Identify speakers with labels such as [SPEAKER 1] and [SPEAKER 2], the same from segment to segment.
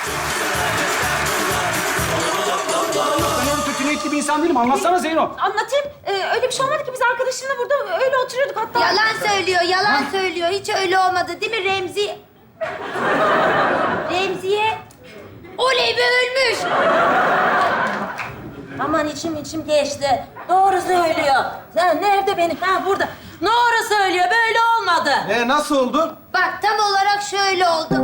[SPEAKER 1] Ben öyle kötü niyetli bir insan değilim. Anlatsana Zeyno.
[SPEAKER 2] Anlatayım. Öyle bir şey olmadı ki. Biz arkadaşımla burada öyle oturuyorduk hatta.
[SPEAKER 3] Yalan söylüyor, yalan söylüyor. Hiç öyle olmadı değil mi Remzi? Remziye? Oley be ölmüş!
[SPEAKER 2] Aman içim geçti. Doğru söylüyor. Sen nerede benim? Ha burada. Doğru söylüyor. Böyle olmadı.
[SPEAKER 4] Nasıl oldu?
[SPEAKER 3] Bak tam olarak şöyle oldu.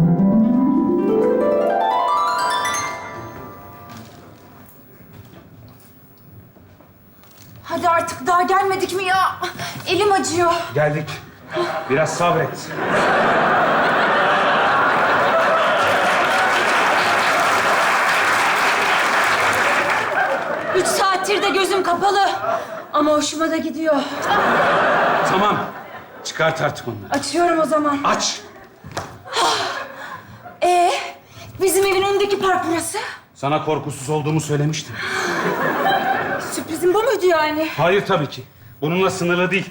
[SPEAKER 2] Hadi artık daha gelmedik mi ya? Elim acıyor.
[SPEAKER 1] Geldik. Biraz sabret.
[SPEAKER 2] Üç saattir de gözüm kapalı. Ama hoşuma da gidiyor.
[SPEAKER 1] Tamam. Çıkart artık onları.
[SPEAKER 2] Açıyorum o zaman.
[SPEAKER 1] Aç.
[SPEAKER 2] Bizim evin önündeki park burası.
[SPEAKER 1] Sana korkusuz olduğumu söylemiştim.
[SPEAKER 2] Sürprizim bu muydu yani?
[SPEAKER 1] Hayır tabii ki. Bununla sınırlı değil.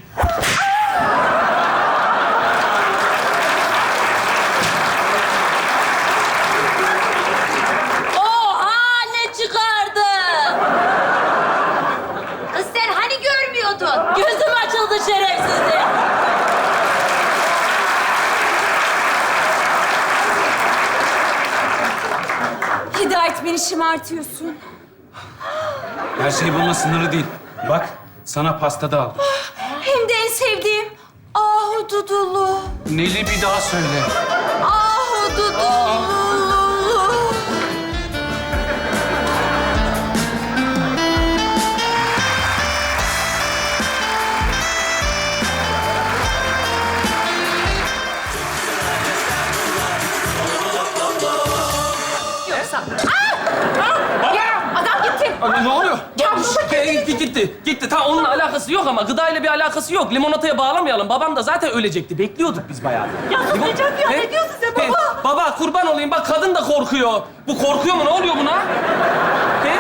[SPEAKER 2] Oha ne çıkardı?
[SPEAKER 3] Kız sen hani görmüyordun?
[SPEAKER 2] Gözüm açıldı şerefsizim. Hidayet beni şımartıyorsun.
[SPEAKER 1] Her şey bununla sınırlı değil. Bak, sana pasta da aldım.
[SPEAKER 2] Hem de en sevdiğim ahududulu.
[SPEAKER 1] Neli bir daha söyle.
[SPEAKER 2] Ahududulu. Yoksa... Adam gitti.
[SPEAKER 5] Ne oluyor?
[SPEAKER 2] Gitti.
[SPEAKER 5] Gitti. Tamam onun alakası yok ama gıdayla bir alakası yok. Limonataya bağlamayalım. Babam da zaten ölecekti. Bekliyorduk biz bayağı.
[SPEAKER 2] Ya sus Necati ya, ne diyorsun sen baba?
[SPEAKER 5] Baba kurban olayım. Bak kadın da korkuyor. Bu korkuyor mu? Ne oluyor buna? He?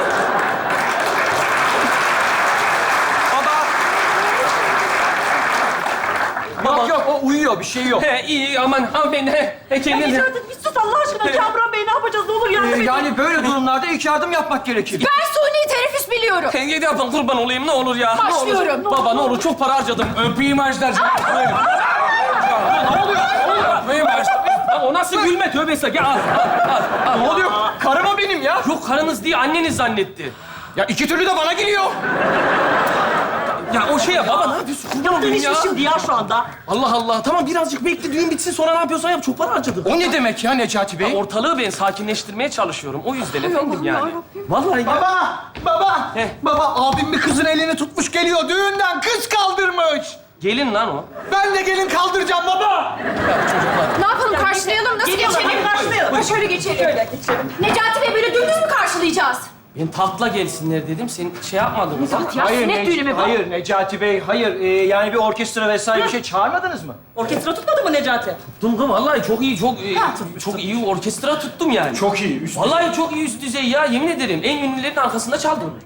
[SPEAKER 4] Yok yok, o uyuyor. Bir şey yok.
[SPEAKER 5] He iyi aman hanımefendi. He kendine.
[SPEAKER 2] Necati bir sus Allah aşkına. Kamuran Bey ne yapacağız? Ne olur yardım edin.
[SPEAKER 4] Yani böyle durumlarda ilk yardım yapmak gerekir.
[SPEAKER 2] Ben suni teneffüs biliyorum.
[SPEAKER 5] Tenge de yapın kurban olayım ne olur ya.
[SPEAKER 2] Başlıyorum.
[SPEAKER 5] Ne olur. Baba ne olur çok para harcadım.
[SPEAKER 1] Öpeyim Ajdar'cığım.
[SPEAKER 5] Ne oluyor? Öpeyim o nasıl gülme tövbe estağfurullah. Gel al.
[SPEAKER 4] Ne oluyor? Karım o benim ya.
[SPEAKER 5] Yok karınız değil anneniz zannetti.
[SPEAKER 4] Ya iki türlü de bana geliyor.
[SPEAKER 5] Ya o şey ya baba ne yapıyorsun? Kurban olayım ya.
[SPEAKER 2] şimdi ya şu anda.
[SPEAKER 5] Allah Allah. Tamam birazcık bekle düğün bitsin sonra ne yapıyorsan yap. Çok para harcadık.
[SPEAKER 4] O ne demek ya Necati Bey?
[SPEAKER 5] Ortalığı ben sakinleştirmeye çalışıyorum. O yüzden efendim yani. Vallahi ya.
[SPEAKER 4] Baba!
[SPEAKER 5] Heh.
[SPEAKER 4] Baba, abim bir kızın elini tutmuş geliyor. Düğünden kız kaldırmış.
[SPEAKER 5] Gelin lan o.
[SPEAKER 4] Ben de gelin kaldıracağım baba.
[SPEAKER 2] Ne yapalım karşılayalım? Nasıl geçelim? Karşılayalım. Şöyle geçelim. Şöyle geçelim. Necati Bey böyle dümdüz mü karşılayacağız?
[SPEAKER 5] Ben tatla gelsinler dedim. Sen şey yapmadın mı?
[SPEAKER 2] Ya sünnet düğünü mü bu?
[SPEAKER 4] Hayır Necati Bey, hayır. Yani bir orkestra vesaire bir şey çağırmadınız mı?
[SPEAKER 2] Orkestra tutmadı mı Necati?
[SPEAKER 5] Tuttum kız vallahi çok iyi, çok iyi orkestra tuttum yani.
[SPEAKER 4] Çok iyi. Üst
[SPEAKER 5] Vallahi çok iyi üst düzey ya yemin ederim. En ünlülerin arkasında çaldım.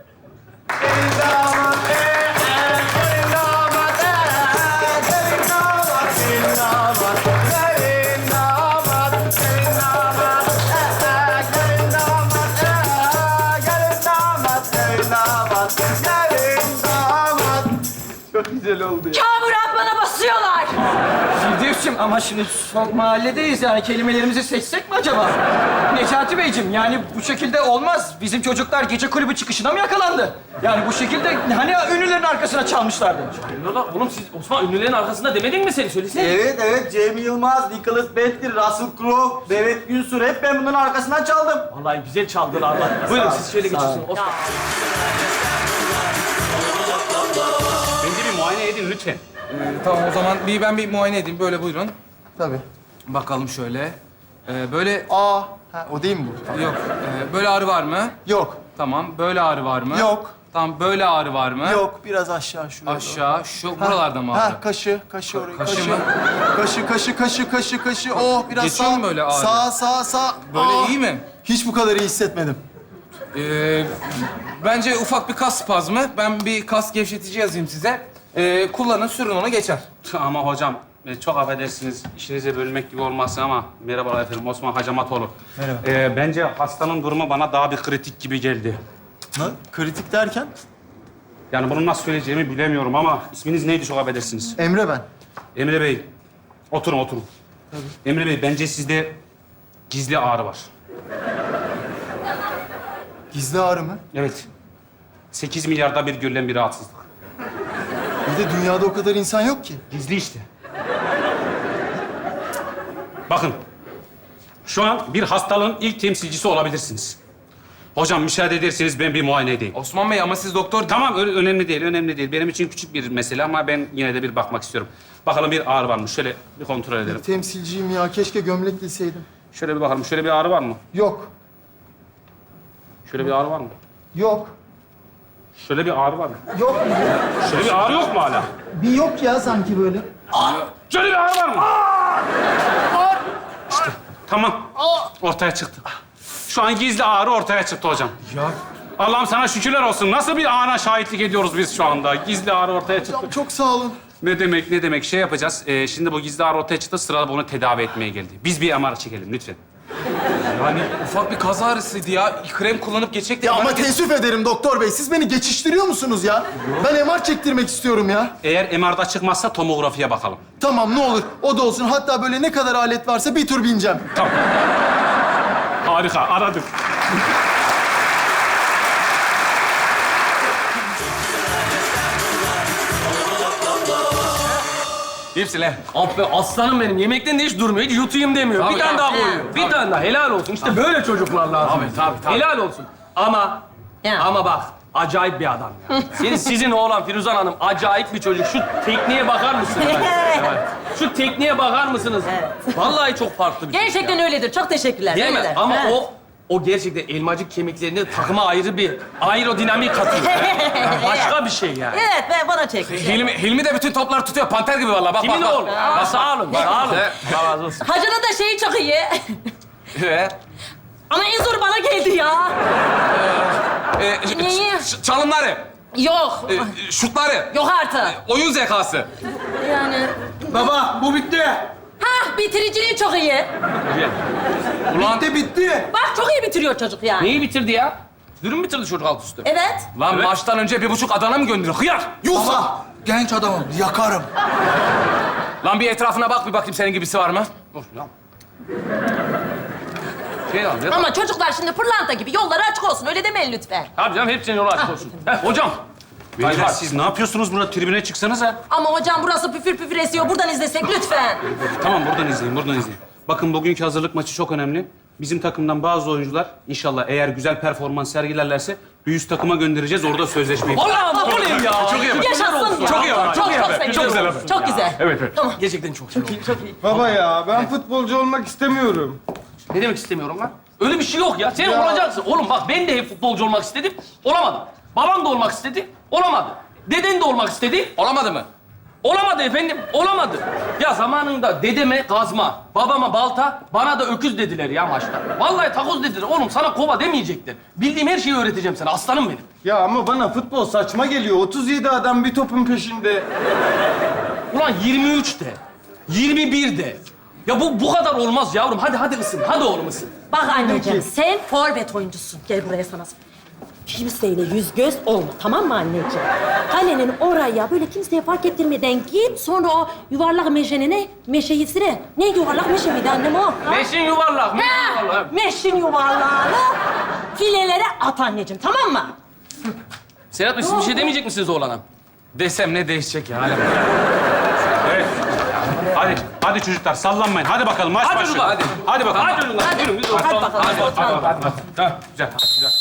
[SPEAKER 2] Kamuran bana basıyorlar.
[SPEAKER 4] Firdevs'cim ama şimdi son mahalledeyiz yani kelimelerimizi seçsek mi acaba? Necati Beyciğim yani bu şekilde olmaz. Bizim çocuklar gece kulübü çıkışına mı yakalandı? Yani bu şekilde hani ünlülerin arkasına çalmışlardı.
[SPEAKER 5] Oğlum siz Osman ünlülerin arkasında demedin mi seni? Söylesene.
[SPEAKER 6] Evet. Cem Yılmaz, Nicholas Bentley, Russell Crowe, Devet Günsür hep ben bunların arkasından çaldım.
[SPEAKER 5] Vallahi güzel çaldılar lan. Buyurun siz şöyle geçiyorsunuz. Osman.
[SPEAKER 1] Beni de bir muayene edin lütfen.
[SPEAKER 7] Tamam o zaman ben bir muayene edeyim. Böyle buyurun.
[SPEAKER 6] Tabii.
[SPEAKER 7] Bakalım şöyle. Böyle
[SPEAKER 6] O değil mi bu?
[SPEAKER 7] yok. Böyle ağrı var mı?
[SPEAKER 6] Yok.
[SPEAKER 7] Tamam. Böyle ağrı var mı?
[SPEAKER 6] Yok.
[SPEAKER 7] Tamam. Böyle ağrı var mı?
[SPEAKER 6] Yok, biraz aşağı şuraya.
[SPEAKER 7] Aşağı. Şu buralarda mı ağrı?
[SPEAKER 6] Kaşı orayı.
[SPEAKER 7] Kaşı mı?
[SPEAKER 6] Kaşı. Oh, biraz
[SPEAKER 7] Geçiyor
[SPEAKER 6] sağ.
[SPEAKER 7] mu böyle ağrı?
[SPEAKER 6] Sağ.
[SPEAKER 7] Böyle iyi mi?
[SPEAKER 6] Hiç bu kadar iyi hissetmedim.
[SPEAKER 7] Bence ufak bir kas spazmı. Ben bir kas gevşetici yazayım size. Kullanın, sürün onu geçer.
[SPEAKER 1] Ama hocam çok affedersiniz, işinize bölmek gibi olmasın ama merhabalar efendim, Osman Hacamatoğlu. Merhaba. Bence hastanın durumu bana daha bir kritik gibi geldi.
[SPEAKER 6] Ne? Kritik derken?
[SPEAKER 1] Yani bunu nasıl söyleyeceğimi bilemiyorum ama isminiz neydi çok affedersiniz?
[SPEAKER 6] Emre ben.
[SPEAKER 1] Emre Bey, oturun. Emre Bey, bence sizde gizli ağrı var.
[SPEAKER 6] Gizli ağrı mı?
[SPEAKER 1] Evet. 8 milyarda bir görülen bir rahatsızlık.
[SPEAKER 6] Bir de dünyada o kadar insan yok ki.
[SPEAKER 1] Gizli işte. Bakın, şu an bir hastalığın ilk temsilcisi olabilirsiniz. Hocam müsaade ederseniz ben bir muayene edeyim.
[SPEAKER 7] Osman Bey ama siz doktor...
[SPEAKER 1] Tamam, önemli değil. Benim için küçük bir mesele ama ben yine de bir bakmak istiyorum. Bakalım bir ağrı var mı? Şöyle bir kontrol edelim.
[SPEAKER 6] Temsilciyim ya. Keşke gömlek giyseydim.
[SPEAKER 1] Şöyle bir bakalım. Şöyle bir ağrı var mı?
[SPEAKER 6] Yok.
[SPEAKER 1] Şöyle bir ağrı var mı?
[SPEAKER 6] Yok.
[SPEAKER 1] Şöyle bir ağrı var mı?
[SPEAKER 6] Yok.
[SPEAKER 1] Şöyle bir ağrı yok mu hala?
[SPEAKER 6] Bir yok ya sanki böyle.
[SPEAKER 1] Şöyle bir ağrı var mı? İşte tamam. Ortaya çıktı. Şu an gizli ağrı ortaya çıktı hocam.
[SPEAKER 7] Ya
[SPEAKER 1] Allah'ım sana şükürler olsun. Nasıl bir ana şahitlik ediyoruz biz şu anda? Gizli ağrı ortaya çıktı.
[SPEAKER 6] Ya çok sağ olun.
[SPEAKER 1] Ne demek? Şey yapacağız. Şimdi bu gizli ağrı ortaya çıktı. Sırada bunu tedavi etmeye geldi. Biz bir MR çekelim lütfen.
[SPEAKER 7] yani ufak bir kaza ağrısıydı ya. Krem kullanıp geçecekti.
[SPEAKER 6] Ya ama
[SPEAKER 7] Bana
[SPEAKER 6] teessüf ederim doktor bey. Siz beni geçiştiriyor musunuz ya? Ben MR çektirmek istiyorum ya.
[SPEAKER 1] Eğer MR'da çıkmazsa tomografiye bakalım.
[SPEAKER 6] Tamam ne olur o da olsun. Hatta böyle ne kadar alet varsa bir tur bineceğim.
[SPEAKER 1] Tamam. Harika, aradım.
[SPEAKER 7] Hepsi lan.
[SPEAKER 5] Abi aslanım benim. Yemekten de hiç durmuyor. Hiç yutayım demiyor.
[SPEAKER 7] Tabii,
[SPEAKER 5] bir tane
[SPEAKER 7] tabii.
[SPEAKER 5] daha koyuyor. Bir tane daha. Helal olsun. İşte böyle çocuklar lazım.
[SPEAKER 7] Tabii.
[SPEAKER 5] Helal olsun. Ama
[SPEAKER 2] Ya.
[SPEAKER 5] ama bak acayip bir adam ya. Sizin oğlan Firuzan Hanım acayip bir çocuk. Şu tekniğe bakar mısınız? Şu tekniğe bakar mısınız? Vallahi çok farklı bir çocuk
[SPEAKER 2] Gerçekten
[SPEAKER 5] ya.
[SPEAKER 2] öyledir. Çok teşekkürler.
[SPEAKER 5] Değil mi?
[SPEAKER 2] öyledir.
[SPEAKER 5] Ama
[SPEAKER 2] Ha.
[SPEAKER 5] o gerçekten elmacık kemiklerini takıma ayrı bir aerodinamik katıyor. Başka bir şey yani.
[SPEAKER 2] Evet, ben bana çek.
[SPEAKER 7] Hilmi de bütün topları tutuyor. Panter gibi vallahi. Bak
[SPEAKER 5] Kimin
[SPEAKER 7] bak.
[SPEAKER 5] oğlu? Ya, sağ olun, sağ olun. Allah razı olsun.
[SPEAKER 2] Hacı'nın da şeyi çok iyi. Ama en zoru bana geldi ya. Neyi?
[SPEAKER 7] Çalımları,
[SPEAKER 2] Yok.
[SPEAKER 7] şutları,
[SPEAKER 2] Yok artık.
[SPEAKER 7] oyun zekası.
[SPEAKER 2] Yani...
[SPEAKER 6] Baba bu bitti.
[SPEAKER 2] Hah, bitiriciliği çok iyi.
[SPEAKER 7] Ulan
[SPEAKER 6] Bitti.
[SPEAKER 2] Bak çok iyi bitiriyor çocuk yani.
[SPEAKER 5] Neyi bitirdi ya? Dürüm bitirdi çocuk alt üstü.
[SPEAKER 2] Evet.
[SPEAKER 7] lan
[SPEAKER 5] Evet.
[SPEAKER 7] maçtan önce 1,5 Adana mı gönderiyor? Hıyar!
[SPEAKER 6] Baba genç adamım yakarım.
[SPEAKER 7] Lan bir etrafına bak bir bakayım senin gibisi var mı?
[SPEAKER 5] Şey al, ne?
[SPEAKER 2] Ama çocuklar şimdi pırlanta gibi yolları açık olsun. Öyle demeyin lütfen.
[SPEAKER 5] Tabii canım hepsinin yolu açık olsun. Hocam.
[SPEAKER 1] Beyler siz ne yapıyorsunuz burada? Tribüne çıksanıza.
[SPEAKER 2] Ama hocam burası püfür püfür esiyor. Buradan izlesek lütfen.
[SPEAKER 1] Tamam, buradan izleyin. Bakın bugünkü hazırlık maçı çok önemli. Bizim takımdan bazı oyuncular inşallah eğer güzel performans sergilerlerse bir üst takıma göndereceğiz. Orada sözleşmeyi...
[SPEAKER 5] Allah'ım bu ne ya?
[SPEAKER 7] Çok iyi.
[SPEAKER 2] Yaşasın ya.
[SPEAKER 7] Çok iyi haber, çok iyi haber.
[SPEAKER 2] sevindim.
[SPEAKER 7] Çok güzel haber.
[SPEAKER 2] Çok güzel.
[SPEAKER 1] Evet.
[SPEAKER 2] Tamam.
[SPEAKER 5] Gerçekten çok iyi.
[SPEAKER 2] Çok iyi.
[SPEAKER 8] Baba ya ben futbolcu olmak istemiyorum.
[SPEAKER 5] Ne demek istemiyorum lan? Öyle bir şey yok ya. Sen olacaksın. Oğlum bak ben de hep futbolcu olmak istedim. Olamadım. Babam da olmak istedi. Olamadı. Deden de olmak istedi.
[SPEAKER 7] Olamadı mı?
[SPEAKER 5] Olamadı efendim. Olamadı. Ya zamanında dedeme kazma, babama balta, bana da öküz dediler ya maçta. Vallahi takoz dediler. Oğlum sana kova demeyecekler. Bildiğim her şeyi öğreteceğim sana. Aslanım benim.
[SPEAKER 8] Ya ama bana futbol saçma geliyor. 37 adam bir topun peşinde.
[SPEAKER 5] Ulan 23 de, 21 de. Ya bu kadar olmaz yavrum. Hadi ısın. Hadi oğlum ısın.
[SPEAKER 2] Bak anneciğim, sen forvet oyuncusun. Gel buraya sana. Kimseyle yüz göz olma, tamam mı anneciğim? Kalenin oraya böyle kimseye fark ettirmeden git. Sonra o yuvarlak meşeyisine. Ne yuvarlak meşe miydi annem o? Ha?
[SPEAKER 5] Meşin yuvarlak, meşin
[SPEAKER 2] Ha,
[SPEAKER 5] yuvarlak.
[SPEAKER 2] meşin yuvarlağını filelere at anneciğim, tamam mı?
[SPEAKER 5] Serhat Bey, siz bir şey demeyecek misiniz oğlana?
[SPEAKER 7] Desem ne değişecek ya?
[SPEAKER 1] Evet. Hadi çocuklar sallanmayın. Hadi bakalım maç
[SPEAKER 5] Hadi
[SPEAKER 1] başlıyor.
[SPEAKER 5] çocuklar, hadi.
[SPEAKER 1] Hadi bakalım.
[SPEAKER 5] Hadi çocuklar, yürü, biz
[SPEAKER 2] Hadi bakalım.
[SPEAKER 1] Hadi. Tamam, güzel.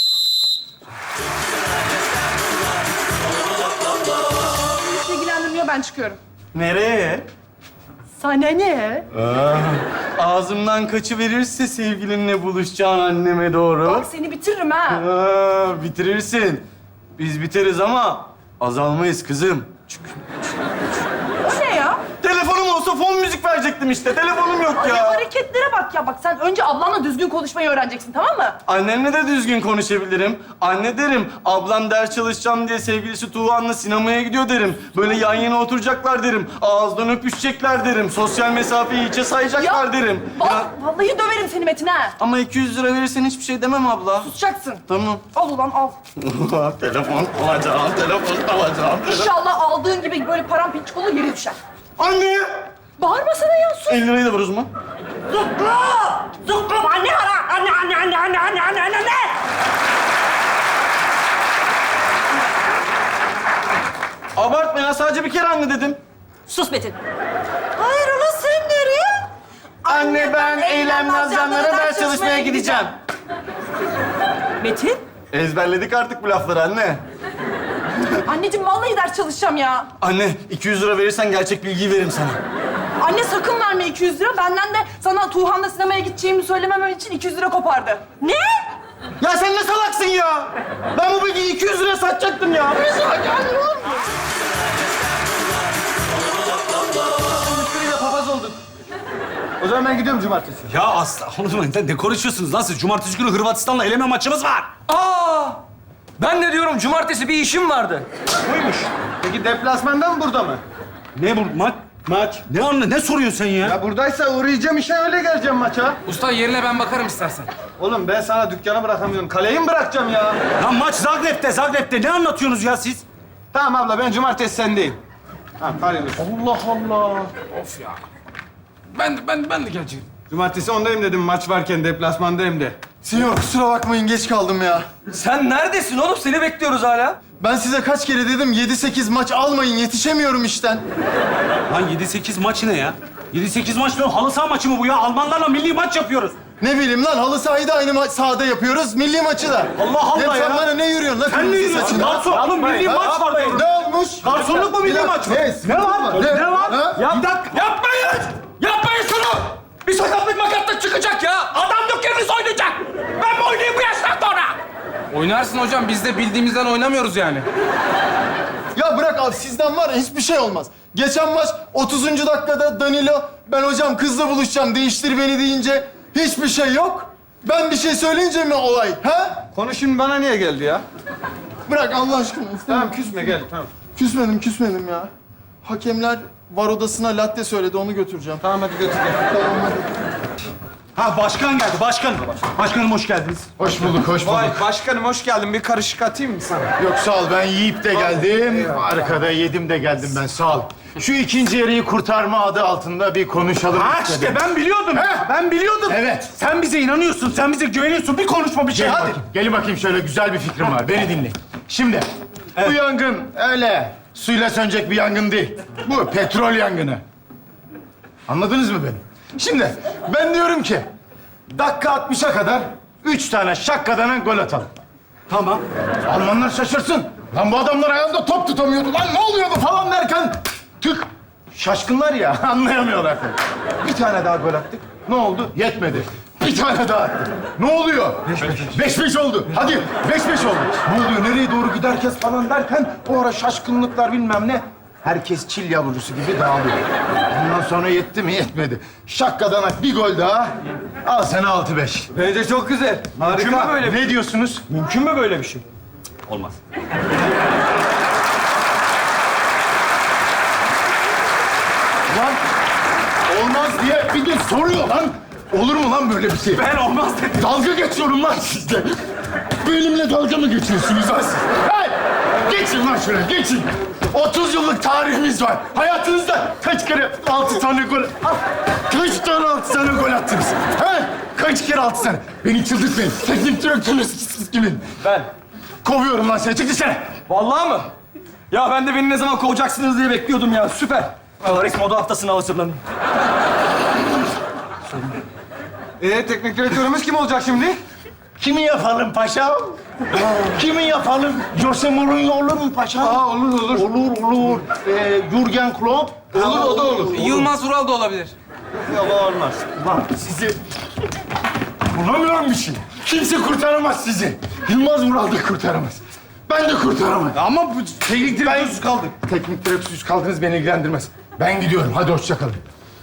[SPEAKER 9] Hiç ilgilendirmiyor, ben çıkıyorum.
[SPEAKER 6] Nereye?
[SPEAKER 9] Sana ne?
[SPEAKER 6] Ağzımdan kaçıverirse sevgilinle buluşacağın anneme doğru.
[SPEAKER 9] Bak seni bitiririm ha.
[SPEAKER 6] Bitirirsin. Biz biteriz ama azalmayız kızım.
[SPEAKER 9] O ne ya?
[SPEAKER 6] Telefonum olsa fon müzik verecektim işte. Telefonum yok
[SPEAKER 9] Ay,
[SPEAKER 6] ya.
[SPEAKER 9] hareketlere bak ya. Bak sen önce ablanla düzgün konuşmayı öğreneceksin, tamam mı?
[SPEAKER 6] Annemle de düzgün konuşabilirim. Anne derim, ablam ders çalışacağım diye sevgilisi Tuğhan'la sinemaya gidiyor derim. Böyle yan yana oturacaklar derim. Ağızdan öpüşecekler derim. Sosyal mesafeyi hiçe sayacaklar derim.
[SPEAKER 9] Vallahi döverim seni Metin ha.
[SPEAKER 6] Ama 200 lira verirsen hiçbir şey demem abla.
[SPEAKER 9] Tutacaksın.
[SPEAKER 6] Tamam.
[SPEAKER 9] Al ulan al.
[SPEAKER 6] Telefon alacağım, telefon alacağım.
[SPEAKER 9] İnşallah aldığın gibi böyle paramparçık olur yere düşer.
[SPEAKER 6] Anne!
[SPEAKER 9] Bağırmasana ya, sus.
[SPEAKER 6] 50 lirayı da ver o zaman.
[SPEAKER 2] Zukkum anne ara. Anne.
[SPEAKER 6] Abartma ya, sadece bir kere anne dedim.
[SPEAKER 2] Sus Metin.
[SPEAKER 3] Hayır ulan sen nereye?
[SPEAKER 6] Anne ben eylem nazlanlara ders çalışmaya gideceğim.
[SPEAKER 9] Metin?
[SPEAKER 6] Ezberledik artık bu lafları anne.
[SPEAKER 9] Anneciğim vallahi ders çalışacağım ya.
[SPEAKER 6] Anne 200 lira verirsen gerçek bilgiyi veririm sana.
[SPEAKER 9] Anne sakın verme 200 lira. Benden de sana Tuğhan'la sinemaya gideceğimi söylememem için 200 lira kopardı. Ne?
[SPEAKER 6] Ya sen ne salaksın ya? Ben bu bilgiyi 200 liraya satacaktım ya.
[SPEAKER 8] Müşteriyle papaz olduk. O zaman ben gidiyorum cumartesi.
[SPEAKER 1] Ya asla oğlum ne konuşuyorsunuz lan siz? Cumartesi günü Hırvatistan'la eleme maçımız var.
[SPEAKER 4] Aa! Ben de diyorum cumartesi bir işim vardı.
[SPEAKER 8] Buymuş. Peki deplasmanda mı burada mı?
[SPEAKER 1] Ne bu maç?
[SPEAKER 8] Maç.
[SPEAKER 1] Ne soruyorsun sen ya?
[SPEAKER 8] Ya buradaysa uğrayacağım işe öyle geleceğim maça.
[SPEAKER 7] Usta yerine ben bakarım istersen.
[SPEAKER 8] Oğlum ben sana dükkanı bırakamıyorum. Kaleyi mi bırakacağım ya?
[SPEAKER 1] Lan maç Zagreb'te. Ne anlatıyorsunuz ya siz?
[SPEAKER 8] Tamam abla ben cumartesi sendeyim. Tamam hayırlı olsun.
[SPEAKER 1] Allah Allah.
[SPEAKER 7] Of ya. Ben de geleceğim.
[SPEAKER 8] Cumartesi ondayım dedim maç varken deplasmandayım de. Sinyor kusura bakmayın geç kaldım ya.
[SPEAKER 4] Sen neredesin oğlum? Seni bekliyoruz hala.
[SPEAKER 8] Ben size kaç kere dedim 7-8 maç almayın yetişemiyorum işten.
[SPEAKER 1] Lan 7-8 maç ne ya? 7-8 maç ne? Halı saha maçı mı bu ya? Almanlarla milli maç yapıyoruz.
[SPEAKER 8] Ne bileyim lan halı sahayı da aynı sahada yapıyoruz. Milli maçı da.
[SPEAKER 1] Allah Allah
[SPEAKER 8] Hem
[SPEAKER 1] ya.
[SPEAKER 8] sen bana ne yürüyorsun lan?
[SPEAKER 1] Sen ne
[SPEAKER 8] kırmızı
[SPEAKER 1] yürüyorsun?
[SPEAKER 8] saçına?
[SPEAKER 1] Garson, oğlum milli maç var diyorum.
[SPEAKER 8] Ne olmuş?
[SPEAKER 1] Garsonluk mu milli maç mı? Ne var? Ne var?
[SPEAKER 8] Ha?
[SPEAKER 1] Ya bir dakika.
[SPEAKER 5] Yapmayın! Yapmayın şunu! Bir sakatlık makatlık çıkacak ya! Adamlık yeriniz oynayacak! Ben mi oynayayım bu yaştan sonra?
[SPEAKER 7] Oynarsın hocam. Biz de bildiğimizden oynamıyoruz yani.
[SPEAKER 8] Ya bırak abi sizden var ya hiçbir şey olmaz. Geçen maç 30. dakikada Danilo ben hocam kızla buluşacağım değiştir beni deyince hiçbir şey yok. Ben bir şey söyleyince mi olay? Ha?
[SPEAKER 6] Konu şimdi bana niye geldi ya?
[SPEAKER 8] Bırak Allah aşkına.
[SPEAKER 6] Tamam küsme gel tamam.
[SPEAKER 8] Küsmedim ya. Hakemler var odasına latte söyledi onu götüreceğim.
[SPEAKER 6] Tamam hadi götür gel.
[SPEAKER 8] Tamam hadi.
[SPEAKER 1] Ha başkan geldi, başkan. Başkanım hoş geldiniz.
[SPEAKER 8] Hoş bulduk, hoş bulduk.
[SPEAKER 6] Vay başkanım hoş geldin. Bir karışık atayım mı sana?
[SPEAKER 10] Yok sağ ol, ben yiyip de geldim. Arkada yedim de geldim ben, sağ ol. Şu ikinci yarıyı kurtarma adı altında bir konuşalım
[SPEAKER 1] Ha
[SPEAKER 10] istedim.
[SPEAKER 1] işte ben biliyordum. Ben biliyordum.
[SPEAKER 10] Evet.
[SPEAKER 1] Sen bize inanıyorsun, sen bize güveniyorsun. Bir konuşma bir şey
[SPEAKER 10] Gelin
[SPEAKER 1] hadi.
[SPEAKER 10] bakayım, gelin bakayım şöyle güzel bir fikrim var. Beni dinleyin. Şimdi, bu yangın öyle suyla sönecek bir yangın değil. Bu petrol yangını. Anladınız mı beni? Şimdi, ben diyorum ki, dakika 60'a kadar 3 tane şakkadanan gol atalım.
[SPEAKER 1] Tamam.
[SPEAKER 10] Almanlar şaşırsın. Lan bu adamlar ayağında top tutamıyordu. Lan ne oluyordu falan derken tık. Şaşkınlar ya, anlayamıyorlar tabii. Bir tane daha gol attık. Ne oldu? Yetmedi. Bir tane daha attık. Ne oluyor? 5-5 oldu. Hadi 5-5 oldu. Ne oluyor? Nereye doğru gider herkes falan derken o ara şaşkınlıklar bilmem ne. Herkes çil yavrusu gibi dağılıyor. Ondan sonra yetti mi? Yetmedi. Şakkadanak bir gol daha. Al sana 6-5.
[SPEAKER 6] Bence çok güzel.
[SPEAKER 10] Mümkün mü böyle? Ne diyorsunuz?
[SPEAKER 6] Mümkün mü böyle bir şey?
[SPEAKER 1] Olmaz.
[SPEAKER 10] Lan olmaz diye bir de soruyor lan. Olur mu lan böyle bir şey?
[SPEAKER 1] Ben olmaz dedim.
[SPEAKER 10] Dalga geçiyorum lan sizle. Benimle dalga mı geçiyorsunuz lan siz? Hey! Geçin lan şuraya, geçin. 30 yıllık tarihimiz var. Hayatınızda kaç kere 6 tane gol... Kaç tane 6 tane gol attınız? He? Kaç kere 6 tane? Beni çıldırtmayın. Teknik direktörünüz siz kimin?
[SPEAKER 6] Ben.
[SPEAKER 10] Kovuyorum lan seni. Çık dışarı.
[SPEAKER 4] Vallahi mı? Ya ben de beni ne zaman kovacaksınız diye bekliyordum ya. Süper. Paris Moda Haftası'na hazırlanın.
[SPEAKER 8] Teknik direktörümüz kim olacak şimdi?
[SPEAKER 10] Kimi yapalım paşam? Kimi yapalım? Jose Mourinho olur mu paşam?
[SPEAKER 8] Aa olur olur.
[SPEAKER 10] Olur. Jürgen Klopp.
[SPEAKER 8] Olur o da olur.
[SPEAKER 7] Yılmaz Vural da olabilir.
[SPEAKER 10] Yok olmaz. Ulan sizi... Bulamıyorum bir şey. Kimse kurtaramaz sizi. Yılmaz Vural da kurtaramaz. Ben de kurtaramam.
[SPEAKER 1] Ama bu teknik direktörsüz kaldık.
[SPEAKER 10] Teknik direktörsüz kaldınız beni ilgilendirmez. Ben gidiyorum. Hadi hoşça kalın.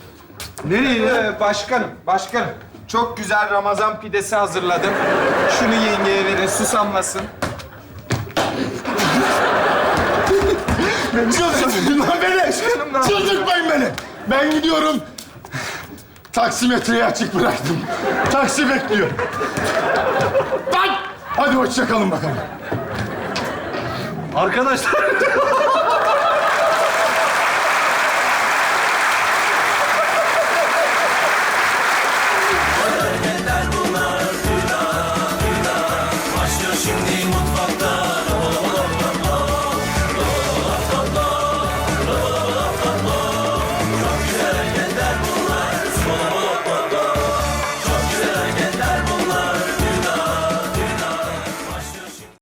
[SPEAKER 6] Nereye?
[SPEAKER 11] Başkanım. Çok güzel Ramazan pidesi hazırladım. Şunu yengeye verin, susamlasın.
[SPEAKER 10] Çıldırtmayın lan beni. Çıldırtmayın beni. Ben gidiyorum. Taksimetreyi açık bıraktım. Taksi bekliyor. Lan! Hadi hoşça kalın bakalım.
[SPEAKER 6] Arkadaşlar